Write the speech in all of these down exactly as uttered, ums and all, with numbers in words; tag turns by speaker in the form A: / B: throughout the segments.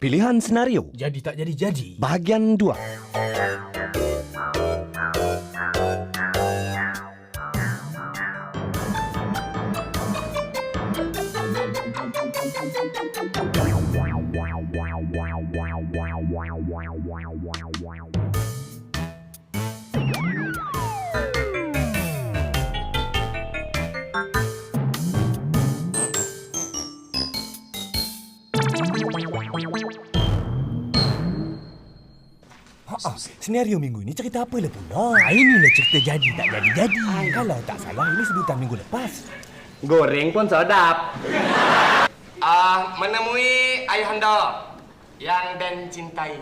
A: Pilihan senario.
B: Jadi tak jadi-jadi.
A: Bahagian dua.
B: Ha, senario minggu ini cerita apa lah pula? Ah, inilah cerita jadi tak jadi-jadi. Kalau tak salah ini sebutan minggu lepas.
C: Goreng pun sedap. Ah, uh, menemui ayahanda yang Dan cintai.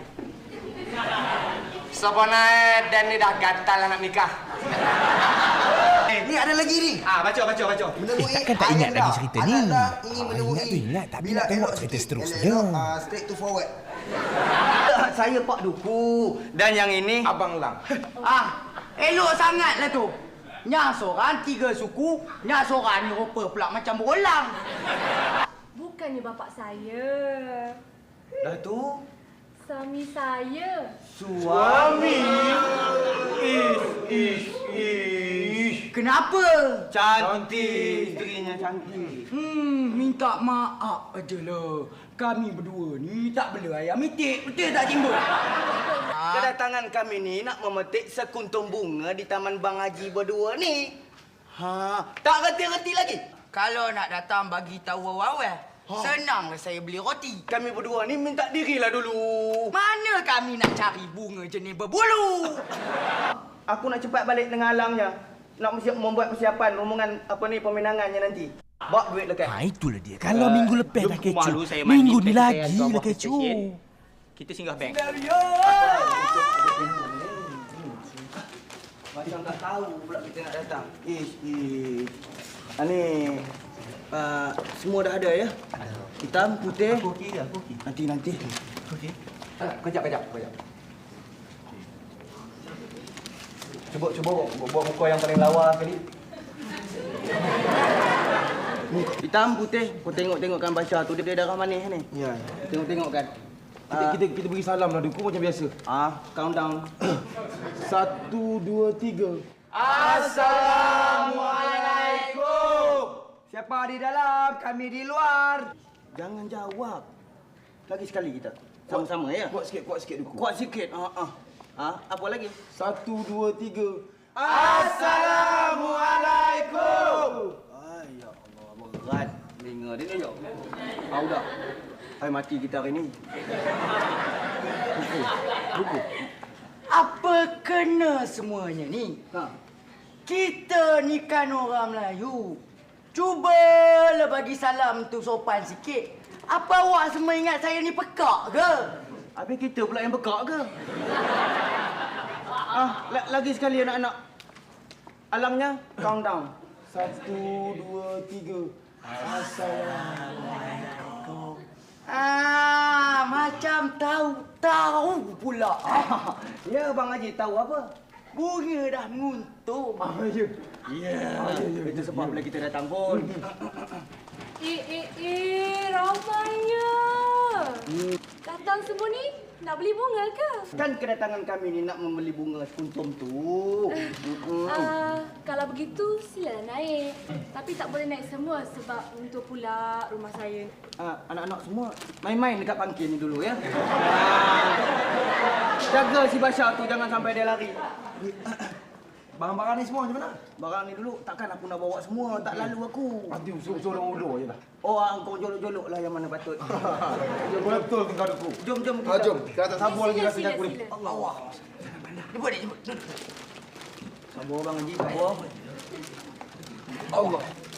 C: Sebenarnya Dan ni dah gatal nak nikah.
D: Eh, ni ada lagi ni.
C: Ah, baca baca baca.
D: Menemui
B: Takkan tak ingat lagi cerita ni.
D: Anda ingin
B: Ah,
D: menemui.
B: ingat tu ingat, tapi
D: Bila
B: nak tengok
D: elok
B: cerita
D: sikit,
B: seterusnya.
D: elok, uh, straight to forward.
C: Saya Pak Duku. Dan yang ini Abang Lang.
E: Ah, elok sangatlah tu. Nya seorang tiga suku, nya seorang ni rupa pula macam berulang.
F: Bukannya bapak saya.
C: Dah tu
F: Suami saya.
C: suami. Ish ish ish.
E: Kenapa?
C: Cantik. Isterinya cantik.
E: Hmm, minta maaf ajalah. Kami berdua ni tak bela ayam itik. Betul tak Timbul?
C: Kedatangan kami ni nak memetik sekuntum bunga di Taman Bang Haji berdua ni. Ha, tak reti-reti lagi.
E: Kalau nak datang bagi tahu awal-awal,
C: Ha.
E: senanglah saya beli roti.
C: Kami berdua ni minta dirilah dulu.
E: Mana kami nak cari bunga jenis berbulu?
C: Aku nak cepat balik dengan Alangnya. Nak siap membuat persiapan rombongan apa ni peminangannya nanti. Bawa duit lekat.
B: Ha, itulah dia. Kalau uh, minggu lepas dah kecoh.
C: malu saya mandi,
B: Minggu ni
C: saya
B: lagi
C: hantar
B: dah
C: buat
B: kecoh.
C: stesen. Kita singgah bank. Macam tak tahu pula kita nak datang. Ish, ish. Ha, ni uh, semua dah ada ya? Hitam, putih. Aku okey, aku okey. Nanti nanti. Okey. Kejap, kejap, kejap. Cuba cuba buat muka yang paling lawa sekali. Hitam, putih. Kau tengok-tengokkan baca tu dia darah manis ni.
D: Ya.
C: Tengok-tengokkan.
D: Kita, kita kita bagi salam lah Duku macam biasa.
C: Ah, countdown.
D: Satu, dua, tiga.
C: Assalamualaikum. Siapa di dalam? Kami di luar. Jangan jawab. Lagi sekali kita. Sama-sama ya.
D: Kuat sikit, kuat sikit Duku.
C: Kuat sikit. Ha ah. Ha, apa lagi?
D: Satu, dua, tiga.
C: Assalamualaikum. Ay, ya Allah, berat. Dengar dia ni ya. Tahu dah. Hai mati kita hari ni. Duku. Duku.
E: Apa kena semuanya ni?
C: Ha.
E: Kita ni kan orang Melayu. Cubalah bagi salam tu sopan sikit. Apa awak semua ingat saya ni pekak ke?
C: Habis kita pula yang bekak ke? Ah, la- lagi sekali anak-anak. Alangnya, countdown.
D: Satu, dua, tiga.
E: Assalamualaikum. Ah, macam tahu-tahu pula.
C: Ah, ya, Bang Haji tahu apa?
E: Bunga dah nguntung.
D: Ah, ya.
C: Ya, itu sebab bila kita datang pun.
F: Eh, eh, eh, ramainya. Datang semua ni nak beli bunga ke?
C: Kan kedatangan kami ni nak membeli bunga sekuntum tu. Mm-mm.
F: Ah, kalau begitu silalah naik. Tapi tak boleh naik semua sebab untuk pula rumah saya.
C: Ah, anak-anak semua main-main dekat pangkin ni dulu ya. Ah, jaga si Bashar tu jangan sampai dia lari.
D: Barang-barang ni semua macam mana?
C: Barang ni dulu takkan aku nak bawa semua, tak lalu aku.
D: Nanti suruh orang ulur je lah.
C: Oh, ah, kau jolok-jolok lah yang mana patut.
D: Boleh betul ke kau Duku?
C: Jom, jom
D: Ah,
C: kita.
D: jom. Kita atas sabar lagi
F: Sila,
D: rasa
F: sila,
D: aku ni.
F: sila.
C: Allah. Jemput dia, jemput. Duduk. Sabar Bang Haji, sabar. Allah.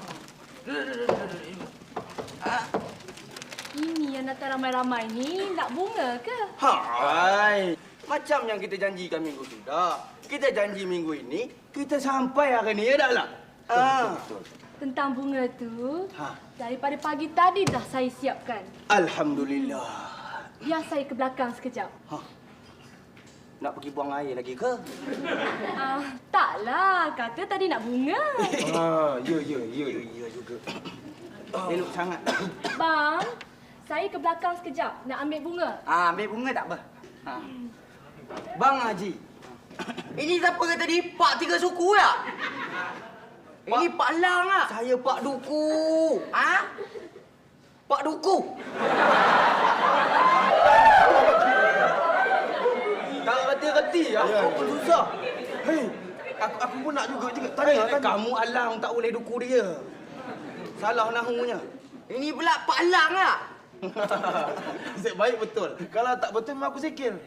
F: Ini yang datang ramai-ramai ni nak bunga ke?
C: Hai. Macam yang kita janjikan minggu sudah. Kita janji minggu ini, kita sampai hari ni ya tak lah? Ah.
F: Tentang bunga tu,
C: Ha.
F: daripada pagi tadi dah saya siapkan.
C: Alhamdulillah.
F: Biar saya ke belakang sekejap.
C: Ha. Nak pergi buang air lagi ke?
F: Ah, taklah, kata tadi nak bunga.
D: Ah, ya, ya, ya.
C: Ya, ya juga. Elok sangat.
F: Bang, Saya ke belakang sekejap nak ambil bunga.
E: Ah, ambil bunga tak apa. Ha. Bang Haji. Ini siapa kata tadi? Pak tiga suku tak? Ini Pak Lang ah. Saya Pak Duku. Ha? Pak Duku.
C: Tak reti-reti. Aku pun susah.
D: Hei, aku aku pun nak juga juga
C: Hey,
D: tanya tanya.
C: kamu alang tak boleh duku dia. Salah nahunya.
E: Ini pula Pak Lang ah.
D: Zek baik betul. Kalau tak betul memang aku sikil.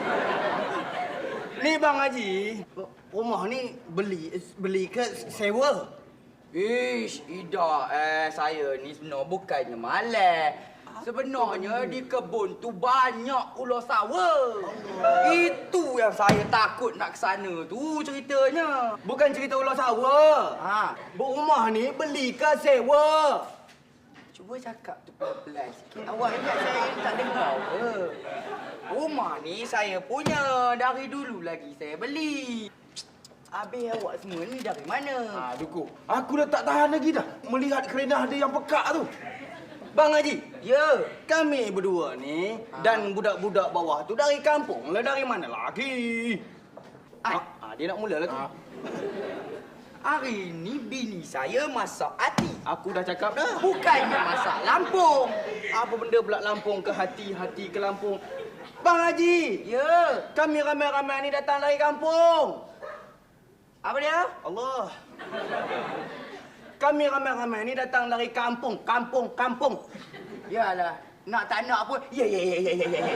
C: Ni Bang Haji, rumah ni beli beli ke sewa?
E: Ish, Ida, eh saya ni sebenarnya bukannya malas. Sebenarnya di kebun tu banyak ular sawa. Itu yang saya takut nak ke sana tu ceritanya.
C: Bukan cerita ular sawa.
E: Ha,
C: Rumah ni beli ke sewa?
E: cuba cakap tu pelan-pelan sikit. Awak ingat saya tak dengar ke? Rumah ni saya punya. Dari dulu lagi saya beli. Habis awak semua ni dari mana?
D: Ah, Duku. Aku dah tak tahan lagi dah melihat kerenah dia yang pekak tu.
C: Bang Haji,
E: Ya.
C: kami berdua ni dan budak-budak bawah tu dari kampung lah, dari mana lagi?
E: Ai.
C: Ah, ah, dia nak mula lah tu.
E: Hari ni bini saya masak hati.
C: Aku dah cakap dah.
E: Bukannya masak Lampung.
C: Apa benda pula Lampung ke hati, hati ke Lampung? Bang Haji,
E: Ya.
C: kami ramai-ramai ni datang dari kampung.
E: Apa dia?
C: Allah. Kami ramai-ramai ni datang dari kampung, kampung, kampung.
E: Yalah, nak tak nak pun. Ya, ya, ya, ya, ya, ya.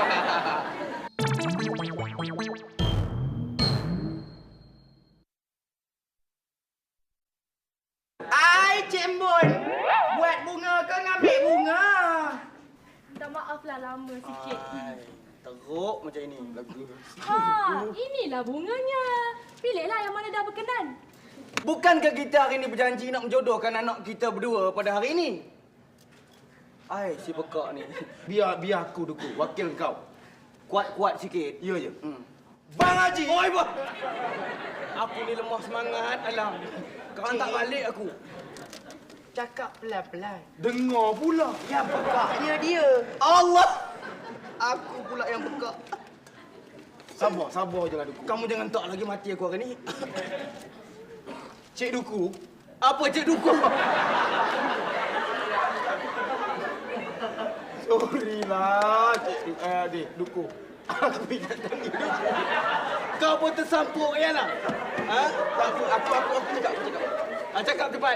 E: Ai, Cik Embun. Buat bunga ke ngambil bunga?
F: Minta maaf lah lama sikit.
C: Ai, teruk macam ini lagu.
F: Ha, inilah bunganya. Pilihlah yang mana dah berkenan.
C: Bukankah kita hari ini berjanji nak menjodohkan anak kita berdua pada hari ini? Ai, si pekak ni.
D: Biar biar aku Duku, wakil kau.
C: Kuat-kuat sikit.
D: Ya je.
C: Hmm.
D: Bang Haji.
C: Oi, bah. Aku ni lemah semangat, alam. Kau hantar balik aku.
E: Cakap pelan-pelan.
D: Dengar pula.
E: Yang pekaknya dia.
C: Allah! Aku pula yang pekak.
D: Sabar, sabar je lah Duku.
C: Kamu jangan tak lagi mati aku hari ni. Cik Duku? Apa Cik Duku?
D: Sorry lah, Cik eh, adik, Duku. Aku ingat tadi Duku.
C: Kau pun tersampuk ya lah. Ha? Tak apa, aku aku aku cakap, aku cakap. Ha, cakap cepat.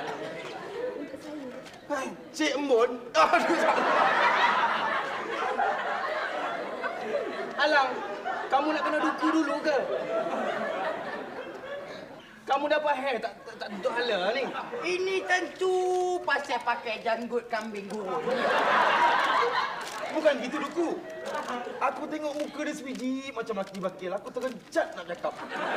C: Hai, Cik Embun. Aduh. Alang, kamu nak kena duku dulu ke? Kamu dapat hair tak tak, tak tutup hala ni.
E: Ini tentu pasal pakai janggut kambing gurun.
D: Bukan gitu Duku. Aku tengok muka dia sebiji macam maki bakil. Aku terkejat nak cakap.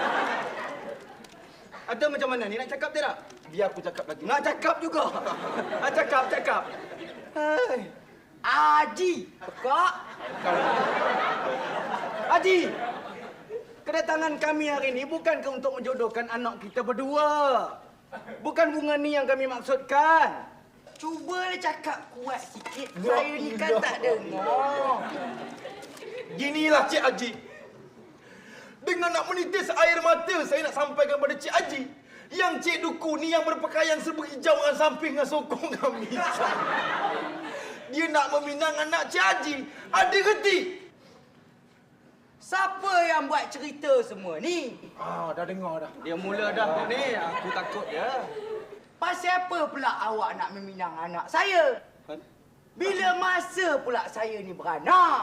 C: Ada macam mana ni, nak cakap tidak?
D: Biar aku cakap lagi.
C: Nak cakap juga. Ha, cakap, cakap. Hai.
E: Haji, pekak.
C: Haji, kedatangan kami hari ini bukankah untuk menjodohkan anak kita berdua. Bukan bunga ni yang kami maksudkan.
E: Cubalah cakap kuat sikit.
D: Ya
E: Saya ni kan
D: Allah.
E: tak dengar.
D: Ginilah Cik Haji. Dengan nak menitis air mata, saya nak sampaikan kepada Cik Haji. Yang Cik Duku ni yang berpakaian serba hijau dengan samping dengan sokong kami. Dia nak meminang anak Cik Haji. Ada reti?
E: Siapa yang buat cerita semua ni?
D: Ah, dah dengar dah.
C: Dia mula dah ni, aku takut ya.
E: Pasal apa pula awak nak meminang anak saya? Bila masa pula saya ni beranak?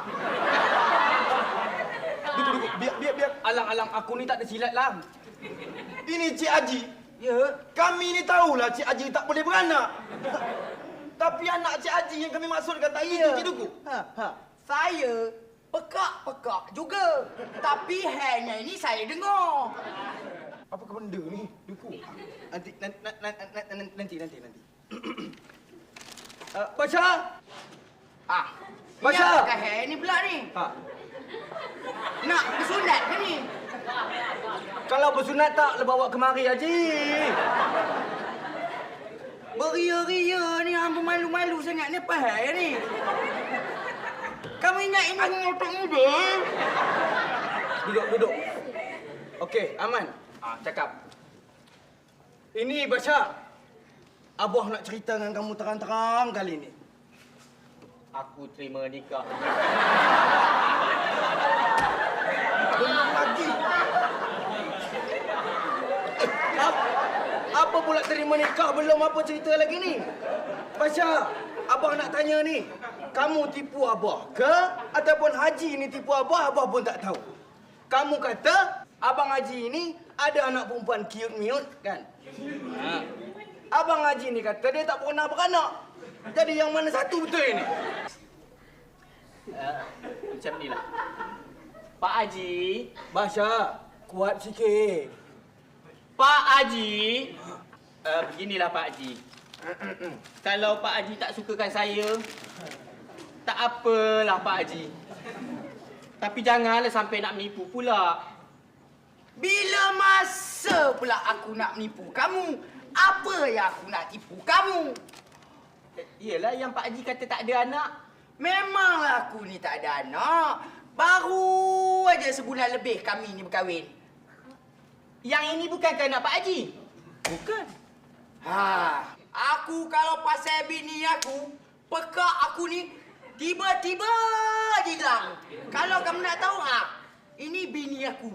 D: Duku, Duku, biar, biar, biar.
C: Alang-alang aku ni tak ada silat lah.
D: Ini Cik Haji.
E: Ya,
D: Kami ni tahulah Cik Haji tak boleh beranak. Tapi anak Cik Haji yang kami maksudkan tak itu, Cik Duku.
C: Ha, ha.
E: saya pekak-pekak juga. Tapi hairnya ini saya dengar.
D: Apakah benda ni, Duku?
C: Nanti, nanti, nanti, nanti, nanti, nanti. Uh, Basha!
E: Ah,
C: Masya!
E: Ini apakah hair ni pula ni?
C: Ha.
E: Nak bersunat ke ni?
C: Kalau bersunat tak, le bawa kemari Haji.
E: Beria-ria ni hamba malu-malu sangat ni apa hal ni? Kamu ingat ini motor muda?
C: Duduk, duduk. Okey, aman.
E: Ah, cakap.
C: Ini Basha. Abah nak cerita dengan kamu terang-terang kali ni.
E: Aku terima nikah.
C: Belum lagi. Apa, apa pula terima nikah belum apa cerita lagi ni? Basha, abah nak tanya ni. Kamu tipu abah ke ataupun Haji ni tipu abah, abah pun tak tahu. Kamu kata Abang Haji ni ada anak perempuan cute-miut kan? Ha. Abang Haji ni kata dia tak pernah beranak. Jadi yang mana satu betul ini?
E: Uh, macam ni lah. Pak Haji.
C: Basha, kuat sikit.
E: Pak Haji. Uh, beginilah Pak Haji. Kalau Pak Haji tak sukakan saya, tak apalah Pak Haji. Tapi janganlah sampai nak menipu pula. Bila masa pula aku nak menipu kamu? Apa yang aku nak tipu kamu? Yelah yang Pak Haji kata tak ada anak. Memanglah aku ni tak ada anak. Baru aja sebulan lebih kami ni berkahwin. Yang ini bukankah anak Pak Haji?
C: Bukan.
E: Ha, aku kalau pasal bini aku, pekak aku ni tiba-tiba je hilang. Kalau kamu nak tahu, ha, ini bini aku.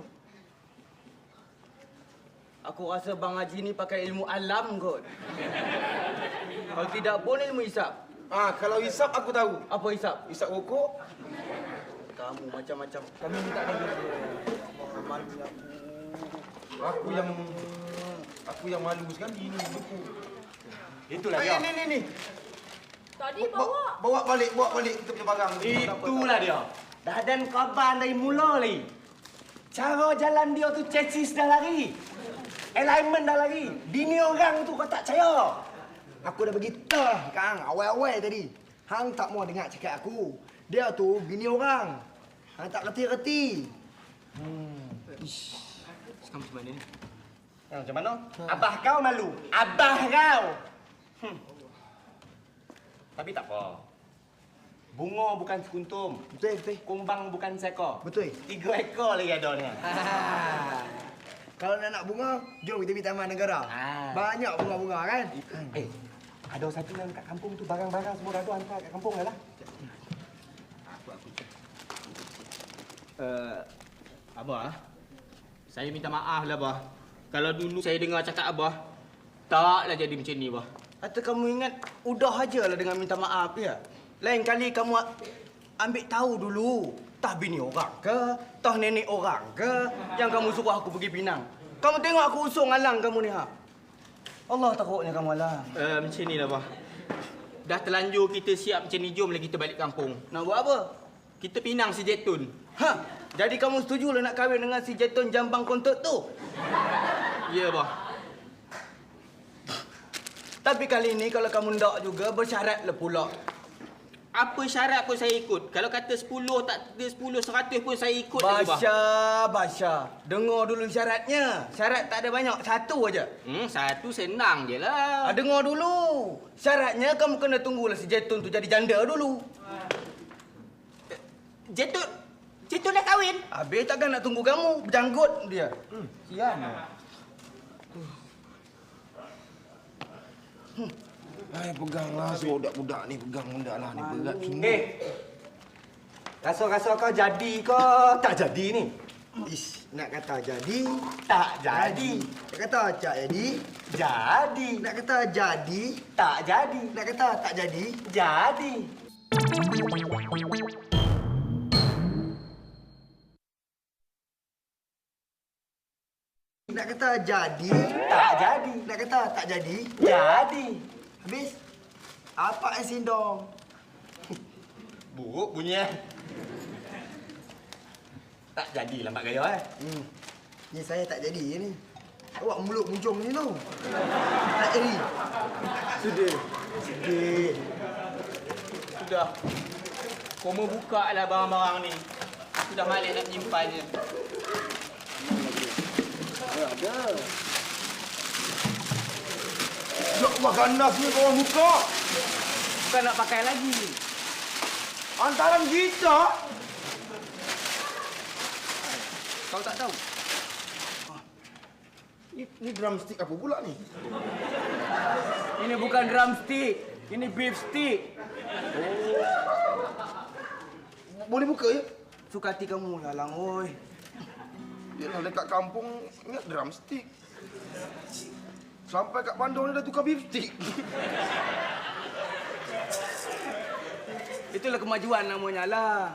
C: Aku rasa Bang Haji ni pakai ilmu alam kot. Kalau tidak pun ilmu hisap.
D: Ah, kalau hisap aku tahu.
C: Apa hisap?
D: Hisap rokok.
C: Kamu macam-macam. Kami ni tak ada gitu. Malu aku.
D: Aku yang aku yang malu sekali ni buku.
B: Itulah
D: Eh,
B: dia.
D: ni ni ni.
F: Tadi
D: Bawa,
F: bawa.
D: bawa balik, bawa balik kita punya barang.
B: Itulah dia.
A: Dah ada kabar dari mula lagi. Cara jalan dia tu chassis dah lari. Alignment dah lari. Bini orang tu kau tak percaya. Aku dah bagi tahu Kang, awal-awal tadi. Hang tak mau dengar cakap aku. Dia tu bini orang. Hang tak reti-reti.
E: Sekarang macam mana ni?
A: Ha, macam mana? Abah kau malu. Abah kau. Hmm. Tapi tak apa. Bunga bukan sekuntum.
C: Betul, betul.
A: Kumbang bukan seekor.
C: Betul.
A: Tiga ekor lagi ada ni.
C: Kalau nak nak bunga, jom kita pergi Taman Negara.
A: Ah.
C: Banyak bunga-bunga kan?
A: Eh, ada satu yang kat kampung tu barang-barang semua dah tu hantar kat kampung dah lah.
E: Uh, Abah, saya minta maaf lah, Abah. Kalau dulu saya dengar cakap Abah, taklah jadi macam ni, Abah.
C: Atau kamu ingat, udah aja lah dengan minta maaf ya. Lain kali kamu ambil tahu dulu. Tah bini orang ke, tah nenek orang ke, yang kamu suruh aku pergi Pinang. Kamu tengok aku usung alang kamu ni ha. Allah takutnya kamu alang.
E: Uh, macam ni lah, Abah. Dah terlanjur kita siap macam ni, jomlah kita balik kampung.
C: Nak buat apa?
E: Kita pinang si Jetun.
C: Ha, jadi kamu setuju lah nak kahwin dengan si Jetun Jambang Kontot tu?
E: Ya, Abah.
C: Tapi kali ini kalau kamu ndak juga bersyaratlah pula.
E: Apa syarat pun saya ikut. Kalau kata sepuluh, tak ada sepuluh, seratus pun saya ikut lagi, Abah.
C: Basha, Basha. Dengar dulu syaratnya. Syarat tak ada banyak, satu aja.
E: Hmm, satu senang je lah.
C: Ah, dengar dulu. Syaratnya kamu kena tunggulah si Jetun tu jadi janda dulu.
E: Jetun, Jetun dah kahwin.
C: Habis takkan nak tunggu kamu. Berjanggut dia. Hmm, sian.
D: Hmm. Hai, peganglah si budak-budak ni, pegang benda lah ni, berat semua.
A: Eh, rasa-rasa kau jadi ke tak jadi ni?
C: Ish, nak kata jadi,
A: Tak jadi.
C: nak kata tak jadi,
A: Jadi.
C: nak kata jadi,
A: Tak jadi.
C: nak kata tak jadi.
A: Jadi.
C: Nak kata jadi,
A: Tak jadi.
C: nak kata tak jadi.
A: Jadi.
C: Habis, apa yang sindong?
A: Buruk bunyi eh. Tak jadi lambat gaya eh.
C: Hmm, ni saya tak jadi ni. Awak mulut muncung ni tu. Tak jadi. Sudah. Sedih.
E: Sudah. Koma buka lah barang-barang ni. Sudah malik nak menyimpannya.
C: Ya, ada.
D: Ya Allah, ganasnya kau orang muka.
E: Bukan nak pakai lagi.
D: Antaran gitar.
E: Kau tak tahu?
D: Ni, ni drumstick apa pula ni?
E: Ini bukan drumstick. Ini beef stick.
D: Boleh buka ya?
C: Suka hati kamu lah, Lang. Oi.
D: Yalah, dekat kampung ingat drumstick. Sampai kat Bandung ni dah tukar beef stick.
C: Itulah kemajuan namanya, Lang.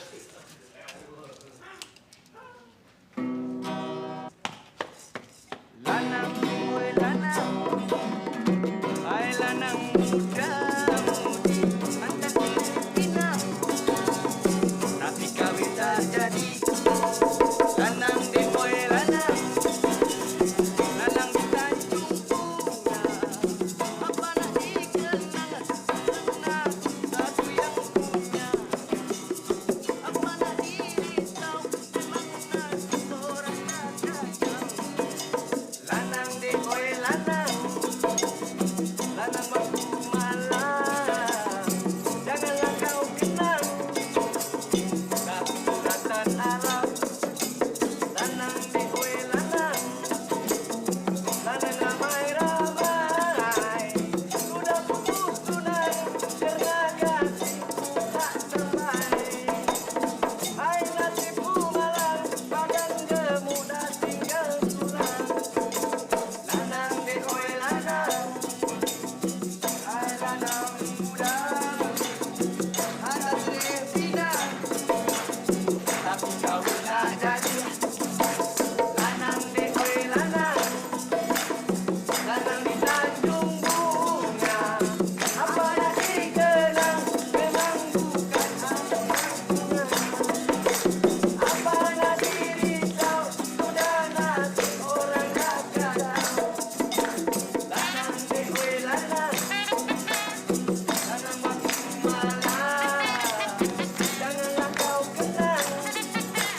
C: Lanang, oi lanang. Hai lanang muda. Anda pinang. Tapi kawin tak jadi. Lanang deh, oi lanang. Lanang di Tanjung Bunga. Apa nak dikenang? Senang satu yang punya. Apa nak dirisau? Memang nasib orang nak kacau. Lanang deh, oi lanang. Lanang waktu malam. Janganlah kau kenang. Tak suratan alam. Lanang deh, oi lanang. Lanang ramai-ramai. Sudah putus tunai. Karena kasih tak sampai. Hai nasibku malang. Badan gemuk dah tinggal tulang. Lanang deh, oi lanang. Hai lanang muda. Ada Tresina. Tapi kau tak jadi. Lanang deh, oi lanang. Lanang di Tanjung Bunga. Apa nak dikenang? Memang bukan anak bunga. Apa nak dirisau? Sudah nasib orang dah kacau. Lanang deh, oi lanang. Lanang waktu malam. Janganlah kau kenang.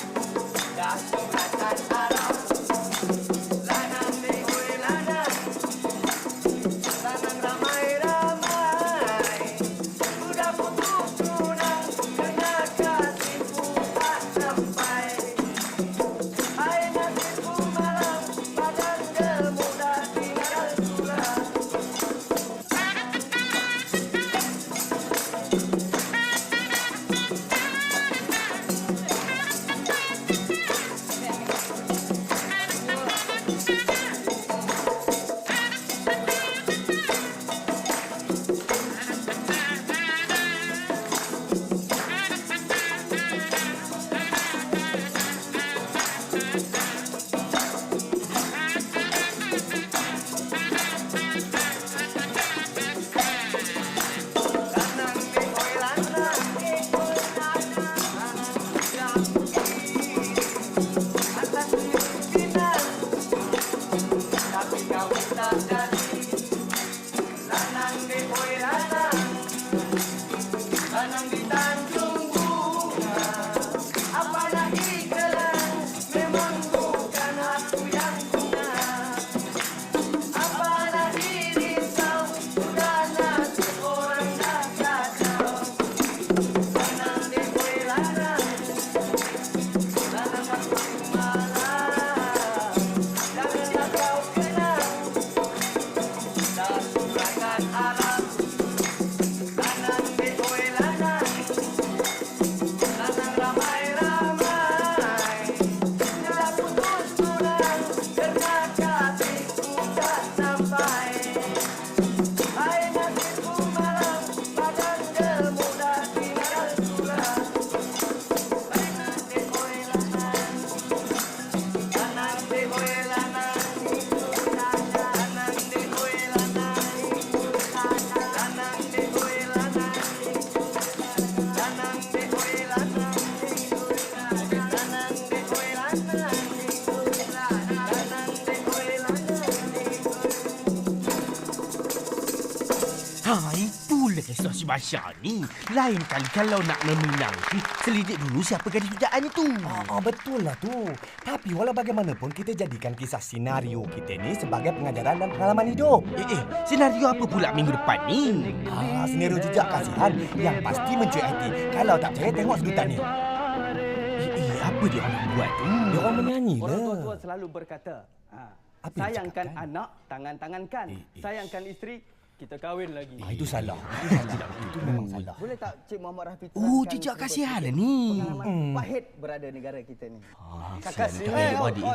B: Pasha ni. Lain kali kalau nak meminang tu, selidik dulu siapa gadis pujaan itu.
G: Ah, ah, betul lah tu. Tapi walau bagaimanapun kita jadikan kisah senario kita ni sebagai pengajaran dan pengalaman hidup.
B: Eh, eh, senario apa pula minggu depan ni?
G: Ah, senario jejak kasihan yang pasti mencuit hati. Kalau tak percaya tengok sedutan ni.
B: Eh, eh apa dia orang buat tu?
G: Dia orang menyanyi
C: Orang
G: lah.
C: tua-tua selalu berkata, ha,
G: Apa dia
C: sayangkan
G: cakap, kan?
C: anak, tangan-tangankan.
G: Eh, eh.
C: Sayangkan isteri, kita kahwin lagi.
G: Ah, itu salah. Itu salah. Itu memang salah. Boleh tak Cik Muhammad Rafi
B: Oh, jejak kasihan lah ni.
C: pengalaman
G: Hmm.
C: pahit berada negara kita ni?
B: Ah,
C: Kakak
B: kesian
C: sini.
B: tak ada adik.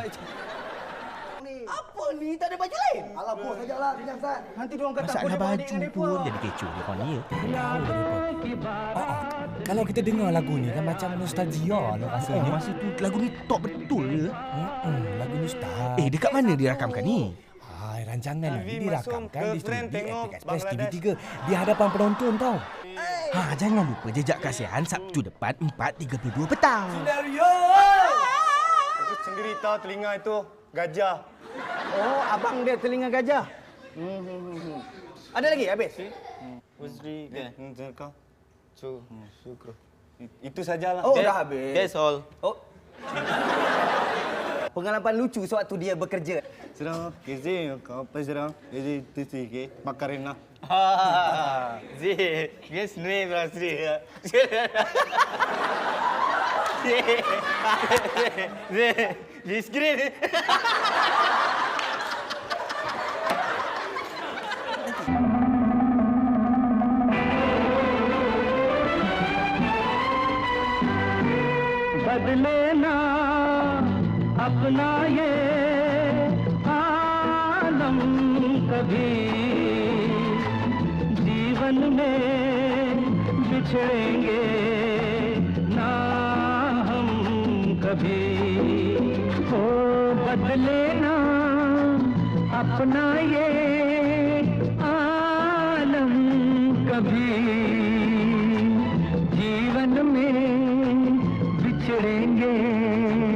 C: Apa ni? Tak ada baju lain? Alah, bos sajalah. Kenyang, Sat. Nanti diorang kata
B: Masalah
C: aku
B: baju pun jadi kecoh dia orang ni ya.
G: Ah, ah. Kalau kita dengar lagu ni kan macam nostalgia lah rasanya.
B: Masa tu lagu ni top betul ya.
G: Hmm, lagu ni start.
B: Eh, dekat mana dia rakamkan ni?
G: Hai, rancangan ini dirakamkan di
H: girlfriend
G: studio
H: tengok
G: Epic Express T V
H: Bangladesh.
G: tiga di hadapan penonton tau.
B: Ha, jangan lupa jejak kasihan Sabtu depan empat tiga puluh dua petang.
H: Itu sendiri tahu telinga itu gajah.
C: Oh, abang dia telinga gajah. Hmm, hmm, hmm, hmm. Ada lagi habis?
H: Uzri kan kau. Su syukur. Itu sajalah.
C: Oh, dah habis.
H: That's all.
C: Oh. Pengalaman lucu sewaktu dia bekerja.
H: Serang, kizi kau apa serang? Kizi tisi ke makarena.
C: Ha.
H: Zi, yes ne berasri. Zi, zi screen.
I: बदले ना अपना ये आलम कभी जीवन में बिछड़ेंगे ना हम कभी हो बदले ना अपना ये आलम कभी जीवन में बिछड़ेंगे